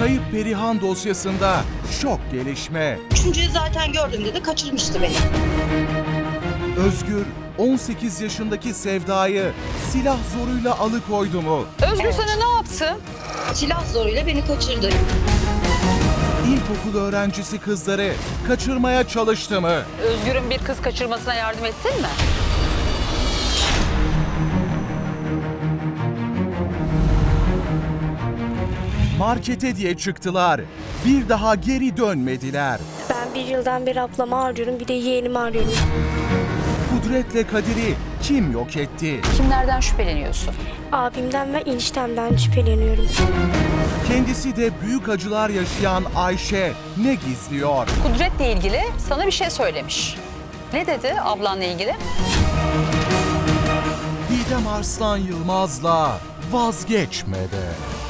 Kayıp Perihan dosyasında şok gelişme. Üçüncüyü zaten gördüğümde de kaçırmıştı beni. Özgür 18 yaşındaki Sevda'yı silah zoruyla alıkoydu mu? Özgür sana ne yaptı? Silah zoruyla beni kaçırdı. İlkokul öğrencisi kızları kaçırmaya çalıştı mı? Özgür'ün bir kız kaçırmasına yardım ettin mi? Markete diye çıktılar. Bir daha geri dönmediler. Ben bir yıldan beri ablamı arıyorum, bir de yeğenimi arıyorum. Kudret'le Kadir'i kim yok etti? Kimlerden şüpheleniyorsun? Abimden ve eniştemden şüpheleniyorum. Kendisi de büyük acılar yaşayan Ayşe ne gizliyor? Kudret'le ilgili sana bir şey söylemiş. Ne dedi ablanla ilgili? Didem Arslan Yılmaz'la vazgeçmedi.